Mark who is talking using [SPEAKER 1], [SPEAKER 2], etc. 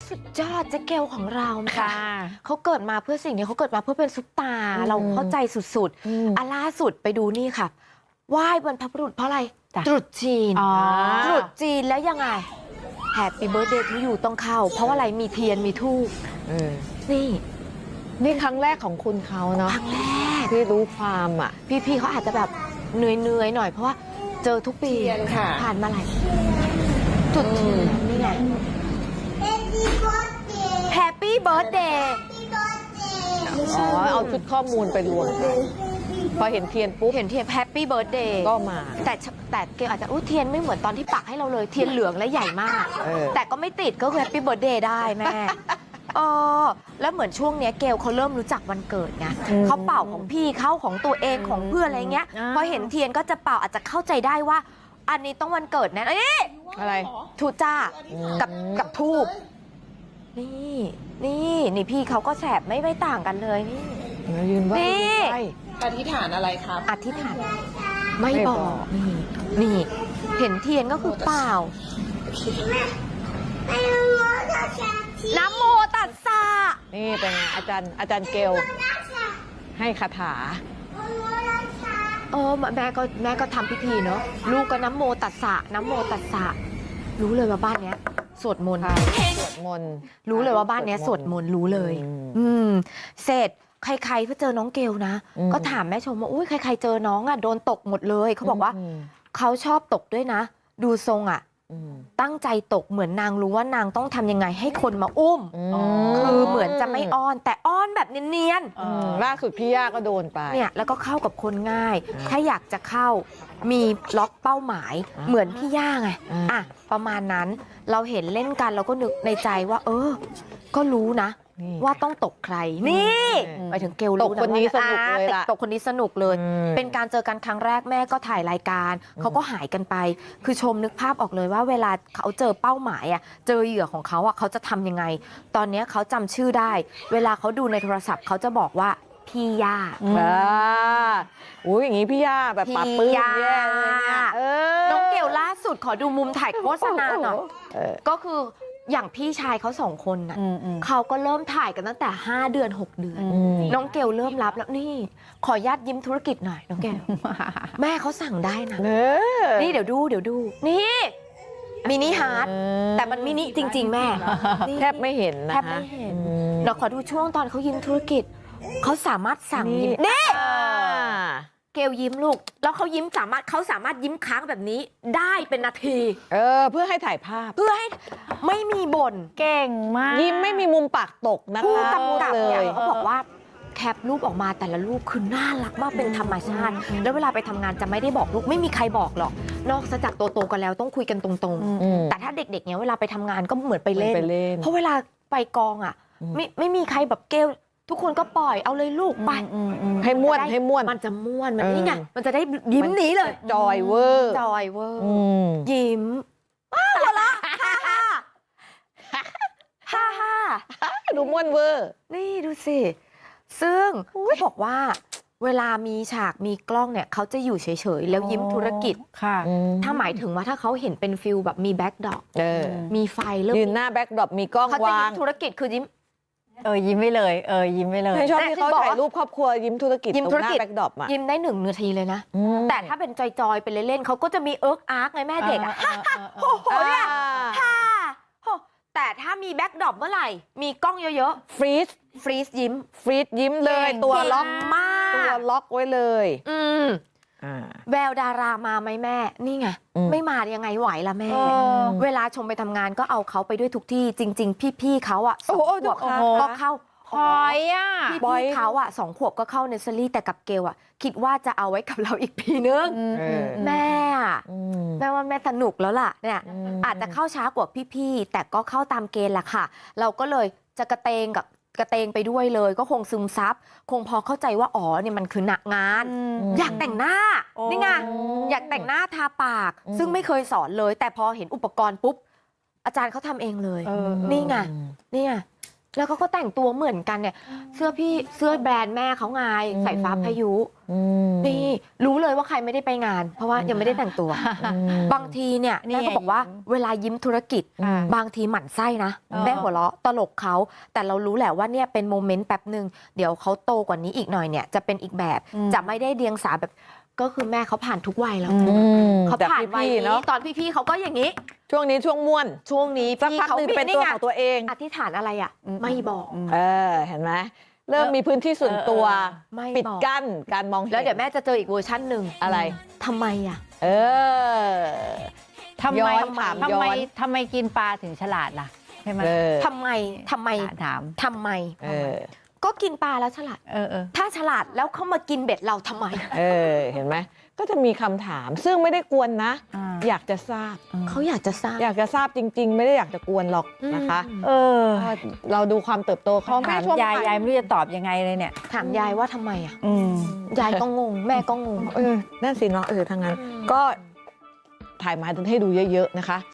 [SPEAKER 1] สุดยอดเจ๊เกลของเราค่ะ
[SPEAKER 2] ค่ะ
[SPEAKER 1] เขาเกิดมาเพื่อสิ่งนี้เขาเกิดมาเพื่อเป็นซุปตาร์เราเข้าใจสุดๆล่าสุดไปดูนี่ค่ะไหว้บรรพบุรุษเพราะอะไร
[SPEAKER 2] จ้ะ
[SPEAKER 1] ตรุษจีน
[SPEAKER 2] อ๋อ
[SPEAKER 1] ตรุษจีนแล้วยังไงแฮปปี้เบิร์ธเดย์ทูยูต้องเข้า เพราะว่าอะไรมีเทียนมีธูปนี่
[SPEAKER 2] นี่ครั้งแรกของคุณเขาเนาะ
[SPEAKER 1] ครั้งแรก
[SPEAKER 2] ที่รู้ความอ่ะ
[SPEAKER 1] พี่ๆเขาอาจจะแบบเหนื่อยๆหน่อยเพราะว่าเจอทุกปี
[SPEAKER 2] ค่ะ
[SPEAKER 1] ผ่านมาหลายจุดจีนนี่ไงแฮปปี้เบิร์ธเดย์
[SPEAKER 2] อ๋อ เอาชุดข้อมูลไปรวมกันพอเห็นเทียนปุ๊บ
[SPEAKER 1] เห็นเทียนแฮปปี้เบิร์ธเดย์
[SPEAKER 2] ก็มา
[SPEAKER 1] แต่เกลอาจจะเทียนไม่เหมือนตอนที่ปักให้เราเลยเทียนเหลืองและใหญ่มาก แต่ก็ไม่ติดก็คือแฮปปี้เบิร์ธเดย์ได้แม่แล้วเหมือนช่วงเนี้ยเกลเขาเริ่มรู้จักวันเกิดไงเขาเป่าของพี่เขาของตัวเองของเพื่อนอะไรเงี้ยพอเห็นเทียนก็จะเป่าอาจจะเข้าใจได้ว่า อันนี้ต้องวันเกิดแน่
[SPEAKER 2] อะไร
[SPEAKER 1] ทูจ้ากับทูบนี่พี่เขาก็แสบไม่ต่างกันเลยนี่
[SPEAKER 2] ยืนไหว้
[SPEAKER 1] นี่
[SPEAKER 2] ยืนไหว้
[SPEAKER 3] อธิษฐานอะไรครับ
[SPEAKER 1] อธิษฐานไม่บอกนี่เห็นเทียนก็คือเปล่านะโมตัสสะ
[SPEAKER 2] นี่เป็นไงอาจารย์เกลให้คาถา
[SPEAKER 1] แม่ก็ทำพิธีเนาะลูกก็นะโมตัสสะนะโมตัสสะรู้เลยว่าบ้านเนี้ยสวดมนต์
[SPEAKER 2] สวดมนต์
[SPEAKER 1] รู้เลยว่าบ้านเนี้ยสวดมนต์รู้เลย เสร็จใครๆก็เจอน้องเกลนะ ก็ถามแม่ชมว่าอุ้ยใครๆเจอน้องอ่ะโดนตกหมดเลยเขาบอกว่าเขาชอบตกด้วยนะ ดูทรงอ่ะตั้งใจตกเหมือนนางรู้ว่านางต้องทำยังไงให้คนมาอุ้มคือเหมือนจะไม่อ้อนแต่อ้อนแบบเนียน
[SPEAKER 2] ล่าสุดพี่ย่าก็โดนไป
[SPEAKER 1] เนี่ยแล้วก็เข้ากับคนง่าย ถ้าอยากจะเข้ามีล็อกเป้าหมายเหมือนพี่ย่าไงประมาณนั้นเราเห็นเล่นกันเราก็นึกในใจว่าก็รู้นะว่าต้องตกใครนี่ไปถึงเกลรู้นะ
[SPEAKER 2] ตกคนนี้สนุกเลยล่ะ
[SPEAKER 1] ตกคนนี้สนุกเลย เป็นการเจอกันครั้งแรกแม่ก็ถ่ายรายการเขาก็หายกันไปคือชมนึกภาพออกเลยว่าเวลาเขาเจอเป้าหมายเจอเหยื่อของเขาเขาจะทำยังไงตอนนี้เขาจำชื่อได้เวลาเขาดูในโทรศัพท์เขาจะบอกว่าพี่ย่า
[SPEAKER 2] อุ้ยอย่างนี้พี่ย่าแบบปรับปลื้มแย่เลยเนี่ย
[SPEAKER 1] น้องเกลล่าสุดขอดูมุมถ่ายโฆษณาหน่อยก็คืออย่างพี่ชายเขา2 คนน่ะเขาก็เริ่มถ่ายกันตั้งแต่5 เดือน 6 เดือนน้องเกลเริ่มรับแล้วนี่ขอญาตยิ้มธุรกิจหน่อยน้องเกลแม่เขาสั่งได้นะนี่เดี๋ยวดูนี่มินิฮาร์ดแต่มันมินิจริง ๆ แม่
[SPEAKER 2] แทบไม่เห็นนะ
[SPEAKER 1] แทบไม่เห็นเราขอดูช่วงตอนเขายิ้มธุรกิจเขาสามารถสั่งยิ้มนี่เกลยิ้มลูกแล้วเขาสามารถยิ้มค้างแบบนี้ได้เป็นนาที
[SPEAKER 2] เพื่อให้ถ่ายภาพ
[SPEAKER 1] เพื่อให้ไม่มีบ่น
[SPEAKER 2] เก่งมากยิ้มไม่มีมุมปากตกนะคะ
[SPEAKER 1] ผู้กำกับเนี่ยเขาบอกว่าแคปรูปออกมาแต่ละรูปคือน่ารักมากเป็นธรรมชาติแล้วเวลาไปทำงานจะไม่ได้บอกลูกไม่มีใครบอกหรอกนอกจากโตๆกันแล้วต้องคุยกันตรงๆแต่ถ้าเด็กๆเนี่ยเวลาไปทำงานก็เหมือนไปเล่นเพราะเวลาไปกองไม่มีใครแบบเกลทุกคนก็ปล่อยเอาเลยลูกไป
[SPEAKER 2] ให้ม่วน
[SPEAKER 1] มันจะม่วนมันนี่ไงมันจะได้ยิ้มหนีเลย
[SPEAKER 2] จอยเวอร์
[SPEAKER 1] ยิ้มหัวเราะฮ่า
[SPEAKER 2] ดูม่วนเวอร์
[SPEAKER 1] นี่ดูสิซึ่งเขาบอกว่าเวลามีฉากมีกล้องเนี่ยเขาจะอยู่เฉยๆแล้วยิ้มธุรกิจ
[SPEAKER 2] ค่ะ
[SPEAKER 1] ถ้าหมายถึงว่าถ้าเขาเห็นเป็นฟิลแบบมีแบ็คดรอปมีไฟเริ่ม
[SPEAKER 2] ยืนหน้าแบ็คดรอปมีกล้องวาง
[SPEAKER 1] เขาจะยิ้มธุรกิจคือยิ้ม
[SPEAKER 4] ยิ้มไม่เลยยิ้มไม่เลย
[SPEAKER 2] ชอบที่เขาถ่ายรูปครอบครัวยิ้มธุรกิจตรงหน้าแบ็คดรอป
[SPEAKER 1] ยิ้มได้1 นาทีเลยนะแต่ถ้าเป็นจอยๆไปเล่นๆเขาก็จะมีอาร์คไงแม่เด็กโอ้โหเนี่ยแต่ถ้ามีแบ็คดรอปเมื่อไหร่มีกล้องเยอะ
[SPEAKER 2] ๆฟรีซยิ้มเลย
[SPEAKER 1] ตัวล็อกมาก
[SPEAKER 2] ตัวล็อกไว้เลย
[SPEAKER 1] แววดารามาไหมแม่นี่ไงไม่มายังไงไหวล่ะแม่เวลาชมไปทำงานก็เอาเขาไปด้วยทุกที่จริงๆพี่ๆเขา2 ขวบก็เข้า
[SPEAKER 4] พอย
[SPEAKER 1] พี่เขา2 ขวบก็เข้าเนสเซอรี่แต่กับเกลคิดว่าจะเอาไว้กับเราอีกปีนึงแม่ว่าแม่สนุกแล้วล่ะเนี่ยอาจจะเข้าช้ากว่าพี่ๆแต่ก็เข้าตามเกณฑ์แหละค่ะเราก็เลยจะกระเตงไปด้วยเลยก็คงซึมซับคงพอเข้าใจว่าเนี่ยมันคือหนักงานอยากแต่งหน้านี่ไงอยากแต่งหน้าทาปากซึ่งไม่เคยสอนเลยแต่พอเห็นอุปกรณ์ปุ๊บอาจารย์เขาทำเองเลยนี่ไงแล้วเขาก็แต่งตัวเหมือนกันเนี่ยเสื้อแบรนด์แม่เขาไงสายฟ้าพายุนี่รู้เลยว่าใครไม่ได้ไปงาน เพราะว่ายังไม่ได้แต่งตัว บางทีเนี่ย
[SPEAKER 4] นี่
[SPEAKER 1] แม่ก็บอกว่าเวลายิ้มธุรกิจ บางทีหมั่นไส้นะแม่หัวเราะตลกเขาแต่เรารู้แหละว่าเนี่ยเป็นโมเมนต์แป๊บหนึ่งเดี๋ยวเขาโตกว่านี้อีกหน่อยเนี่ยจะเป็นอีกแบบจะไม่ได้เดียงสาแบบก็คือแม่เขาผ่านทุกวัยแล้วเขาผ่านวัยนี้ตอนพี่ๆเขาก็อย่างนี้
[SPEAKER 2] ช่วงนี้ช่วงม่วน
[SPEAKER 1] ช่วงนี้
[SPEAKER 2] สัก
[SPEAKER 1] พี่
[SPEAKER 2] พัก
[SPEAKER 1] เขา
[SPEAKER 2] หนึงเป็นตัวของตัวเอง
[SPEAKER 1] อธิษฐานอะไรอ่ะไม่บอก
[SPEAKER 2] เห็นไหมเริ่มมีพื้นที่ส่วนตัว
[SPEAKER 1] ไม่
[SPEAKER 2] ปิด
[SPEAKER 1] บอก
[SPEAKER 2] กั้นการมองเห็น
[SPEAKER 1] แล้วเดี๋ยวแม่จะเจออีกเวอร์ชันหนึ่ง
[SPEAKER 2] อะไร
[SPEAKER 1] ทำไมอ่ะ
[SPEAKER 2] เออ
[SPEAKER 4] ทำ
[SPEAKER 2] ย้
[SPEAKER 4] ไม
[SPEAKER 2] อนถาม
[SPEAKER 4] ทำ
[SPEAKER 2] ย้
[SPEAKER 4] ไม
[SPEAKER 2] อน
[SPEAKER 4] ทำไมกินปลาถึงฉลาดล่ะใช่ไหม
[SPEAKER 2] เออ
[SPEAKER 1] ทำไม
[SPEAKER 4] ถาม
[SPEAKER 2] เออ
[SPEAKER 1] ก็กินปลาแล้วฉลาด
[SPEAKER 4] เออ
[SPEAKER 1] ถ้าฉลาดแล้วเขามากินเบ็ดเราทำไม
[SPEAKER 2] เห็นไหมก็จะมีคำถามซึ่งไม่ได้กวนนะ อยากจะทราบ
[SPEAKER 1] เขาอยากจะทราบ
[SPEAKER 2] อยากจะทราบจริง ๆ ไม่ได้อยากจะกวนหรอกนะคะ
[SPEAKER 4] เออ
[SPEAKER 2] ก็เราดูความเติบโตของแม่
[SPEAKER 4] ถาม
[SPEAKER 2] ช่วง
[SPEAKER 4] ยายไม่รู้จะตอบยังไงเลยเนี่ย
[SPEAKER 1] ถามยายว่าทำไมอ่ะ
[SPEAKER 4] อืม
[SPEAKER 1] ยายก็งง แม่ก็งง
[SPEAKER 2] นั่นสิเนาะทางนั้นก็ถ่ายมาให้ดูเยอะๆนะคะ